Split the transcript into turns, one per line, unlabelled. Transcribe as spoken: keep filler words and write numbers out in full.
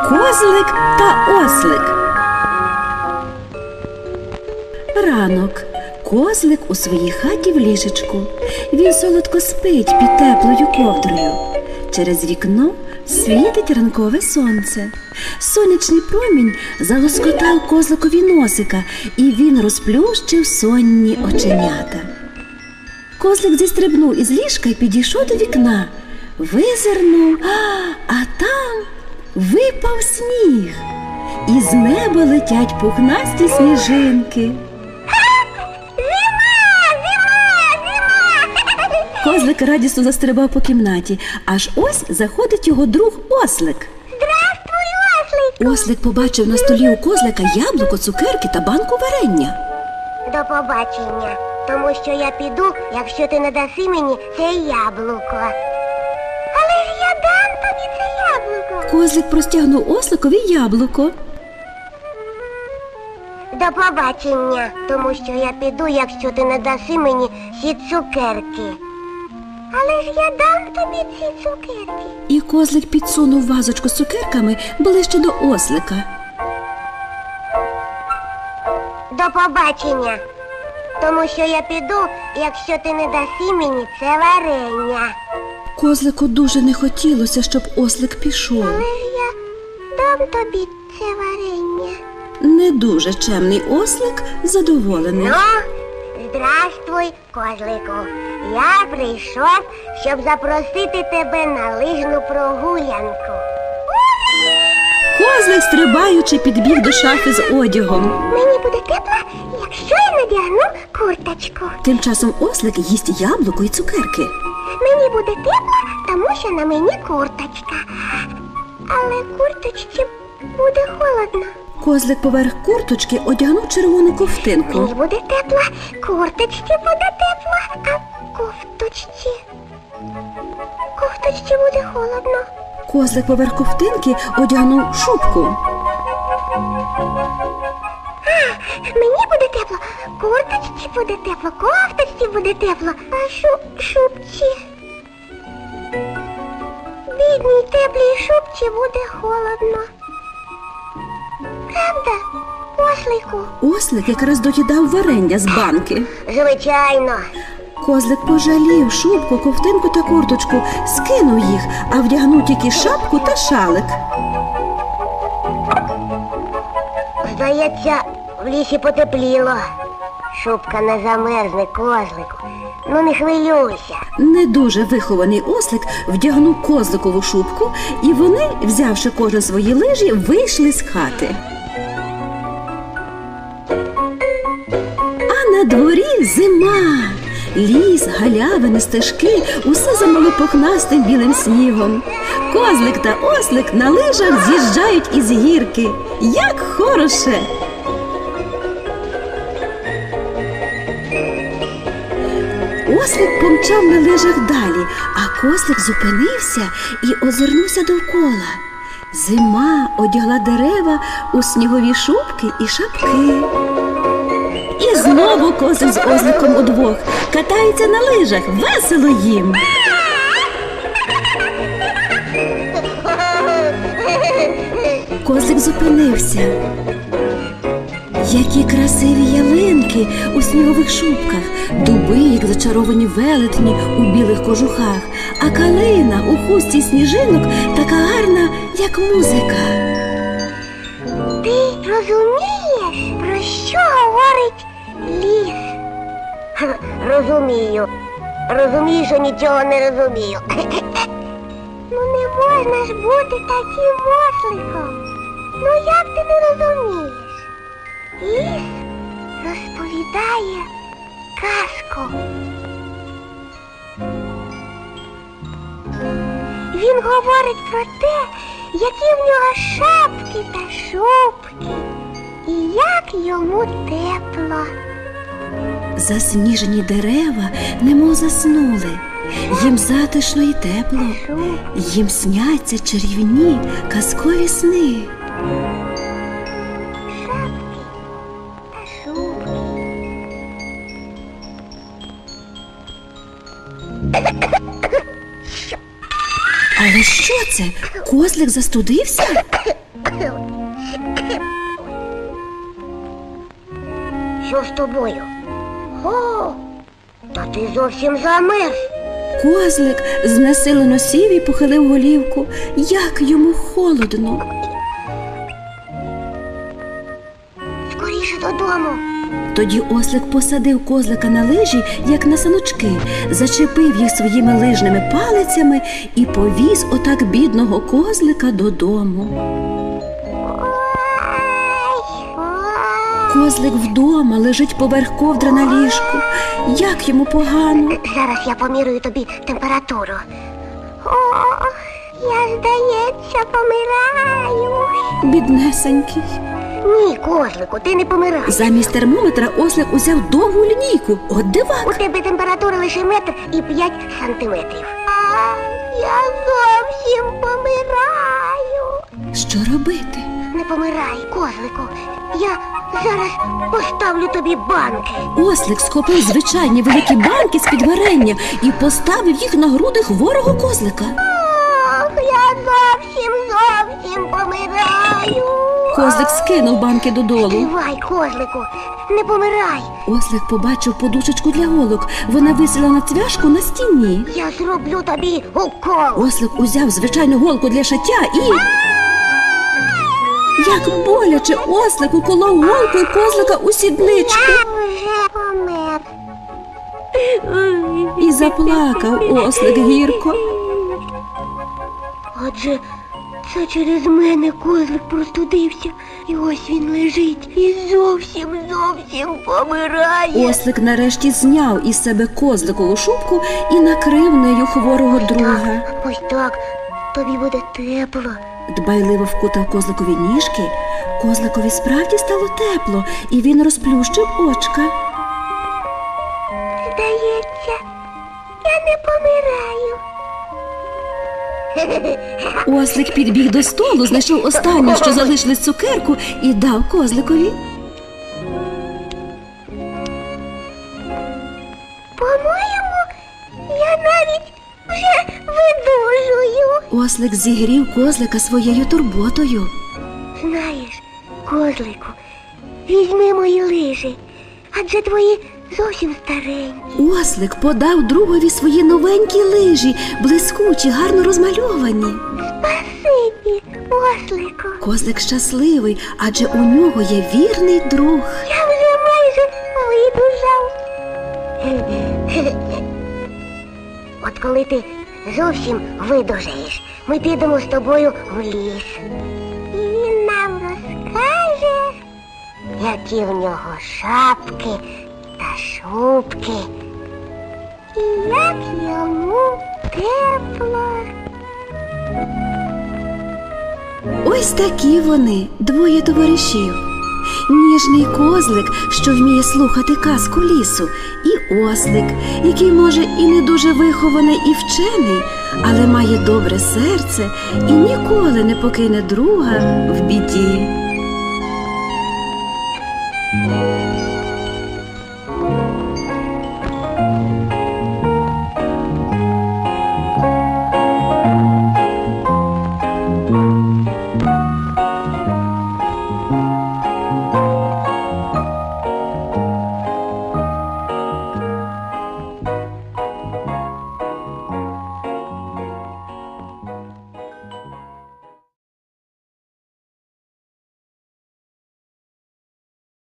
Козлик та ослик. Ранок. Козлик у своїй хаті в ліжечку. Він солодко спить під теплою ковдрою. Через вікно світить ранкове сонце. Сонячний промінь залоскотав козликові носика, і він розплющив сонні оченята. Козлик зістрибнув із ліжка і підійшов до вікна. Визирнув, а там випав сніг. І з неба летять пухнасті сніжинки. Козлик радісно застрибав по кімнаті, аж ось заходить його друг ослик.
Здравствуй, ослику!
Ослик побачив на столі у козлика яблуко, цукерки та банку варення.
До побачення, тому що я піду, якщо ти не даси мені це яблуко. Але ж я дам тобі це яблуко.
Козлик простягнув осликові яблуко.
До побачення, тому що я піду, якщо ти не даси мені ці цукерки. Але ж я дам тобі ці цукерки.
І козлик підсунув вазочку з цукерками ближче до ослика.
До побачення, тому що я піду, якщо ти не даси мені це варення.
Козлику дуже не хотілося, щоб ослик пішов.
Але ж я дам тобі це варення.
Не дуже чемний ослик задоволений.
Ну, здравствуй, козлику. Я прийшов, щоб запросити тебе на лижну прогулянку.
Козлик, стрибаючи, підбіг до шафи з одягом.
Мені буде тепло, якщо я надягну курточку.
Тим часом ослик їсть яблуко і цукерки.
Мені буде тепло, тому що на мені курточка. Але курточці буде холодно.
Козлик поверх курточки одягнув червону ковтинку.
Мені буде тепло, курточці буде тепло, а кофточці... Кофточці буде холодно.
Козлик поверх ковтинки одягнув шубку.
Мені буде тепло, курточці буде тепло, кофточці буде тепло, а шу... шубці... Бідній теплій шубці буде холодно. Правда, ослику?
Ослик якраз доїдав варення з банки.
Звичайно.
Козлик пожалів шубку, ковтинку та курточку, скинув їх, а вдягнув тільки шапку та шалик.
Здається, в лісі потепліло. Шубка не замерзне, козлику. Ну не хвилюйся.
Не дуже вихований ослик вдягнув козликову шубку, і вони, взявши кожен свої лижі, вийшли з хати. А на дворі зима. Ліс, галявини, стежки – усе замало пухнастим білим снігом. Козлик та ослик на лижах з'їжджають із гірки. Як хороше! Ослик помчав на лижах далі, а козлик зупинився і озирнувся довкола. Зима одягла дерева у снігові шубки і шапки. І знову козлик з осликом удвох катаються на лижах, весело їм. Козлик зупинився. Які красиві ялинки у снігових шубках, дуби, як зачаровані велетні у білих кожухах, а калина у хустці сніжинок така гарна, як музика.
Ти розумієш, про що говорить ліс? Розумію. Розумію, що нічого не розумію. Ну не можна ж бути таким осликом. Ну як ти не розумієш? Ліс розповідає казку. Він говорить про те, які в нього шапки та шубки, і як йому тепло.
Засніжені дерева немов заснули. Їм затишно і тепло. Їм сняться чарівні казкові сни.
Шапки та шубки.
Але що це? Козлик застудився?
Що з тобою? О, та ти зовсім замерз.
Козлик знесилено сів і похилив голівку. Як йому холодно.
Скоріше додому.
Тоді ослик посадив козлика на лижі, як на саночки, зачепив їх своїми лижними палицями і повіз отак бідного козлика додому. Козлик вдома лежить поверх ковдри на ліжку. Як йому погано.
Зараз я помірюю тобі температуру. О, я, здається, помираю.
Біднесенький.
Ні, козлику, ти не помираєш.
Замість термометра ослик узяв довгу лінійку. От
У
дивак.
тебе температура лише метр і п'ять сантиметрів. А, я зовсім помираю.
Що робити?
Не помирай, козлику. Я зараз поставлю тобі банки.
Ослик схопив звичайні великі банки з-під варення і поставив їх на груди хворого козлика.
Ох, я зовсім, зовсім помираю.
Козлик скинув банки додолу.
Тривай, козлику, не помирай.
Ослик побачив подушечку для голок. Вона висіла на цвяшку на стіні.
Я зроблю тобі укол.
Ослик узяв звичайну голку для шиття і... Як боляче ослик уколов голкою козлика у сідничку.
Я вже помер.
І заплакав ослик гірко.
Отже, це через мене козлик простудився. І ось він лежить і зовсім, зовсім помирає.
Ослик нарешті зняв із себе козликову шубку і накрив нею хворого друга.
Ось так, тобі буде тепло.
Дбайливо вкутав козликові ніжки. Козликові справді стало тепло, і він розплющив очка.
Здається, я не помираю.
Ослик підбіг до столу, знайшов останню, що залишилось цукерку, і дав козликові.
По-моєму, я навіть вже видужую.
Ослик зігрів козлика своєю турботою.
Знаєш, козлику, візьми мої лижі, адже твої зовсім старенькі.
Ослик подав другові свої новенькі лижі, блискучі, гарно розмальовані.
Спасибі, ослику.
Козлик щасливий, адже у нього є вірний друг.
Я вже майже видужав. От коли ти зовсім видужаєш, ми підемо з тобою в ліс. І він нам розкаже, які в нього шапки та шубки. І як йому тепло.
Ось такі вони, двоє товаришів. Ніжний козлик, що вміє слухати казку лісу, і ослик, який, може, і не дуже вихований і вчений, але має добре серце і ніколи не покине друга в біді.